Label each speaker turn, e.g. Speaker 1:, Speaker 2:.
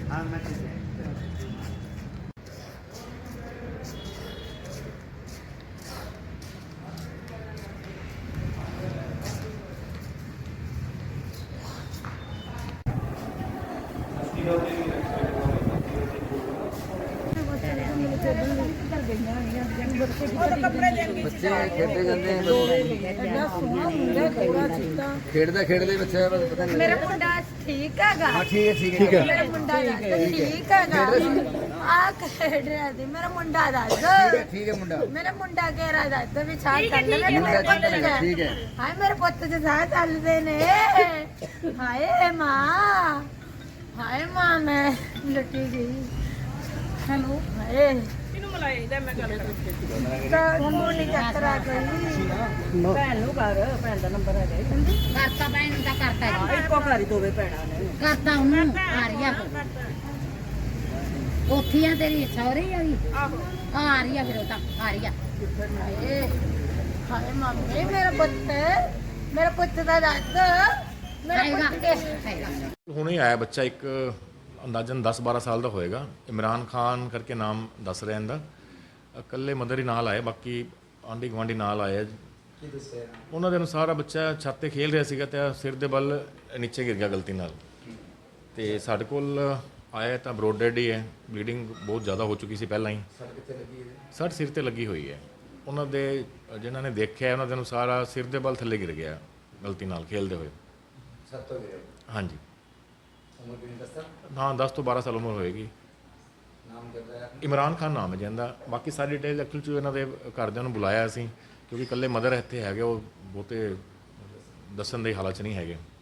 Speaker 1: हाँ मैं ठीक है।
Speaker 2: ਬੱਚੇ ਖੇਡਦੇ ਜਾਂਦੇ ਖੇਡਦਾ ਖੇਡਦੇ ਬੱਚਾ ਪਤਾ ਨਹੀਂ
Speaker 3: ਮੇਰਾ ਮੁੰਡਾ ਠੀਕ ਹੈਗਾ।
Speaker 2: ਹਾਂ ਠੀਕ ਹੈ
Speaker 3: ਮੇਰਾ ਮੁੰਡਾ ਠੀਕ ਹੈਗਾ। ਆ ਖੇਡ ਰਿਹਾ ਸੀ ਮੇਰਾ ਮੁੰਡਾ ਦੱਸ।
Speaker 2: ਠੀਕ ਹੈ ਮੁੰਡਾ
Speaker 3: ਮੇਰਾ ਮੁੰਡਾ ਕਹਿ ਰਿਹਾ ਦੱਸ ਵੀ ਸਾਹ ਚੱਲ ਰਿਹਾ ਮੇਰੇ ਪੁੱਤ ਚ।
Speaker 2: ਠੀਕ ਹੈ
Speaker 3: ਹਾਏ ਮੇਰੇ ਪੁੱਤ ਚ ਸਾਹ ਚੱਲਦੇ ਨੇ। ਹਾਏ ਮਾਂ ਮੈਂ ਲੁੱਟੀ ਗਈ। ਹੈਲੋ ਹਾਏ
Speaker 4: ਇਹਨੂੰ ਮਲਾਈ ਇਹਦਾ ਮੈਂ ਗੱਲ ਕਰਾਂ
Speaker 3: ਤਾਂ ਮੋਨੀ ਚੱਕਰਾ ਗਈ।
Speaker 4: ਭੈਣ ਨੂੰ ਕਰ ਭੈਣ ਦਾ ਨੰਬਰ ਹੈਗਾ
Speaker 5: ਕਰਤਾ ਭੈਣ ਦਾ ਕਰਤਾ ਜੀ।
Speaker 4: ਇੱਕੋ ਘਰ ਹੀ ਦੋਵੇਂ ਭੈਣਾਂ ਨੇ
Speaker 5: ਕਰਤਾ ਉਹਨੂੰ ਆ ਰਹੀ ਆ ਉੱਥੀਆਂ ਤੇਰੀ ਸਹੁਰੇ ਆ ਗਈ
Speaker 4: ਆਹੋ
Speaker 5: ਆ ਰਹੀ ਆ ਫਿਰ ਉਹ ਤਾਂ ਆ ਰਹੀ ਆ
Speaker 3: ਹਾਏ ਮੰਮੀ ਮੇਰਾ ਪੁੱਤ ਦਾ ਦੱਸ। ਮੇਰਾ
Speaker 5: ਖਾਏਗਾ
Speaker 3: ਪੁੱਤ
Speaker 5: ਖਾਏਗਾ
Speaker 6: ਹੁਣੇ ਆਇਆ ਬੱਚਾ ਇੱਕ ਅੰਦਾਜ਼ਨ 10-12 ਸਾਲ ਦਾ ਹੋਏਗਾ। ਇਮਰਾਨ ਖਾਨ ਕਰਕੇ ਨਾਮ ਦੱਸ ਰਿਹਾ ਇਹਦਾ। ਇਕੱਲੇ ਮਦਰ ਹੀ ਨਾਲ ਆਏ, ਬਾਕੀ ਆਂਢੀ ਗੁਆਂਢੀ ਨਾਲ ਆਏ। ਉਹਨਾਂ ਦੇ ਅਨੁਸਾਰ ਬੱਚਾ ਛੱਤ ਤੇ ਖੇਲ ਰਿਹਾ ਸੀਗਾ ਤੇ ਸਿਰ ਦੇ ਬਲ ਨੀਚੇ ਗਿਰ ਗਿਆ ਗਲਤੀ ਨਾਲ। ਤੇ ਸਾਡੇ ਕੋਲ ਆਇਆ ਤਾਂ ਬਰੋਡ ਡੈਡ ਹੀ ਹੈ, ਬਲੀਡਿੰਗ ਬਹੁਤ ਜ਼ਿਆਦਾ ਹੋ ਚੁੱਕੀ ਸੀ ਪਹਿਲਾਂ ਹੀ। ਸੱਟ ਸਿਰ ਤੇ ਲੱਗੀ ਹੋਈ ਹੈ। ਉਹਨਾਂ ਦੇ ਜਿਨ੍ਹਾਂ ਨੇ ਦੇਖਿਆ ਉਹਨਾਂ ਦੇ ਅਨੁਸਾਰ ਸਿਰ ਦੇ ਬਲ ਥੱਲੇ ਗਿਰ ਗਿਆ ਗਲਤੀ ਨਾਲ ਖੇਲਦੇ ਹੋਏ। ਹਾਂਜੀ ਹਾਂ 10 ਤੋਂ 12 ਸਾਲ ਉਮਰ ਹੋਏਗੀ। ਇਮਰਾਨ ਖਾਨ ਨਾਮ ਹੈ ਜਿਹਦਾ। ਬਾਕੀ ਸਾਰੀ ਡਿਟੇਲ ਐਕਚੁਅਲ 'ਚ ਇਹਨਾਂ ਦੇ ਘਰਦਿਆਂ ਨੂੰ ਬੁਲਾਇਆ ਅਸੀਂ, ਕਿਉਂਕਿ ਇਕੱਲੇ ਮਦਰ ਇੱਥੇ ਹੈਗੇ, ਉਹ ਬਹੁਤੇ ਦੱਸਣ ਦੇ ਹਾਲਾਤ 'ਚ ਨਹੀਂ ਹੈਗੇ।